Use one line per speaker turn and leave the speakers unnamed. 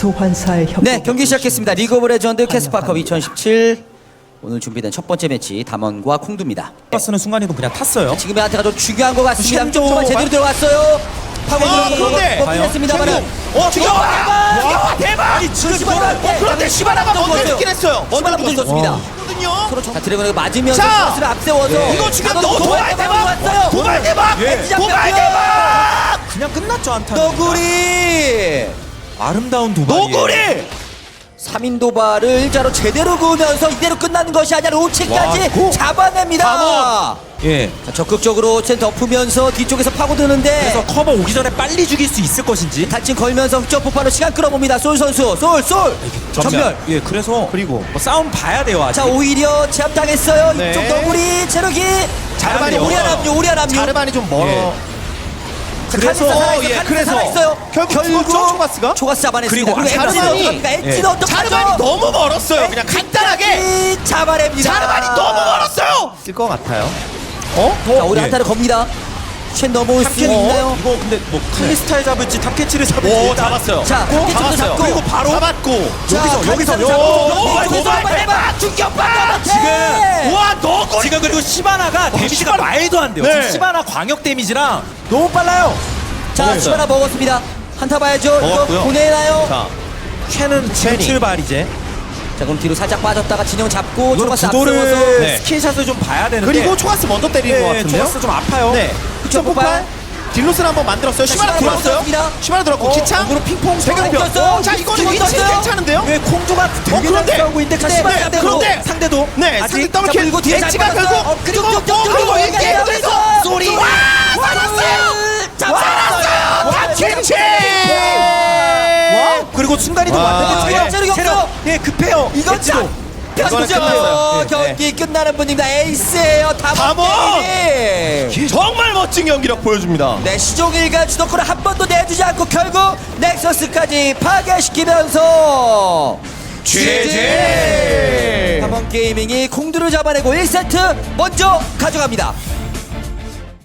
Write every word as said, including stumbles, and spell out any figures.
소환사의 협.
네, 경기 시작했습니다. 리그 오브 레전드 캐스파컵 이천십칠. 오늘 준비된 첫 번째 매치 담원과 콩두입니다.
버스는 순간이동 그냥 탔어요.
지금의 한테가 좀 중요한 것 같습니다.
쉔도
조금만 제대로 들어왔어요.
아, 그런데!
했습니다만.
어, 지금 대박! 대박!
아니 지금
시바나,
어, 그런데 시바나가 먼저 죽긴 했어요.
시바나 먼저 줬습니다.
거든요.
자, 드래곤이 맞으면서
자!
버스를 앞세워서
이거 지금
가둬-
너 도발 대박!
왔어요.
도발 대박!
예.
도발 대박!
그냥 끝났죠 안타.
너구리
아름다운 도발.
노구리!
삼 인 도발을 일자로 제대로 그으면서 이대로 끝나는 것이 아니라 로치까지
와, 고!
잡아냅니다.
예.
자, 적극적으로 첸 덮으면서 뒤쪽에서 파고드는데
그래서 커버 오기 전에 빨리 죽일 수 있을 것인지.
탈진 걸면서 흑점 폭발로 시간 끌어봅니다. 솔 선수 솔 솔 전멸.
예. 그래서
그리고
뭐 싸움 봐야 돼요 아직.
자, 오히려 제압당했어요.
네.
이쪽 너구리 체력이
자르반이
우리
멀어요.
하남류 우리 하남류.
자르반이 좀 멀어.
예.
그래서 예, 그래서 결국 죽었죠, 초가스가?
초가스 잡아냈습니다.
그리고
엣지는
자르반이-
어떡합니까? 엣지는
예.
어떡하죠?
자르반이 너무 멀었어요. 그냥 간단하게
엣지 잡아냅니다.
자르반이 너무 멀었어요. 쓸 것 같아요. 어?
자, 우리
예.
한타를 겁니다. 쉔 넘어올 수
탑캐치
있나요?
이거 근데 뭐 칼리스타에 잡을지 탑캐치를 잡을지.
오,
일단
잡았어요.
자,
오,
탑캐치도
잡았어요.
잡고.
그리고 바로 잡았고.
자,
여기서,
칼리스타를
여기서,
잡고.
요,
도발,
여기서
도발,
도발
대박! 충격파!
지금
와, 너구리!
지금 그리고 시바나가 데미지가
시바나-
말도 안 돼요.
네.
지금 시바나 광역 데미지랑 너무 빨라요.
자, 시바나 먹었습니다. 한타 봐야죠. 이거
먹었고요.
보내나요?
자,
캔은 지금
캔이.
출발 이제.
자, 그럼 뒤로 살짝 빠졌다가 진영 잡고
이거
초가스 앞세워서
구도를
네.
스킨샷을 좀 봐야 되는데.
그리고 초가스 먼저 때리는 것
네,
같은데요?
초가스 좀 아파요.
네. 흑점 폭발. 딜로스를 한번 만들었어요. 시바나
시바나
들어왔어요.
들어왔습니다.
시바나 들어왔고
어,
기창.
어그로 핑퐁
배경표.
떴어요.
자, 이거는
지금
위치
떴어요.
괜찮은데요?
왜 콩조가 되게 잘
그런데!
싸우고 있는데 자,
네,
시바나
네,
상대도
그런데!
상대도
네,
아직
상대 더블
자,
킬.
그리고 뒤에 잘
엣지가
받았어요.
결국
어, 그리고
그리고
쭉, 쭉, 쭉,
그리고
쭉,
이게
쭉,
그래서
쭉,
쏘리.
쭉,
와!
쭉,
살았어요!
잡았어요.
탑캐치!
와 그리고 순간이동
와,
왔는데
예.
체력 체력 예 급해요.
이건
엣지도.
자,
이거는
편죠.
끝났어요.
경기 끝나는 분입니다. 에이스예요.
담원!
담원 게임.
정말 멋진 경기력 보여줍니다.
네, 시종일관 주도권을 한 번도 내주지 않고 결국 넥서스까지 파괴시키면서
지지!
담원 게이밍이 콩두를 잡아내고 일 세트 먼저 가져갑니다.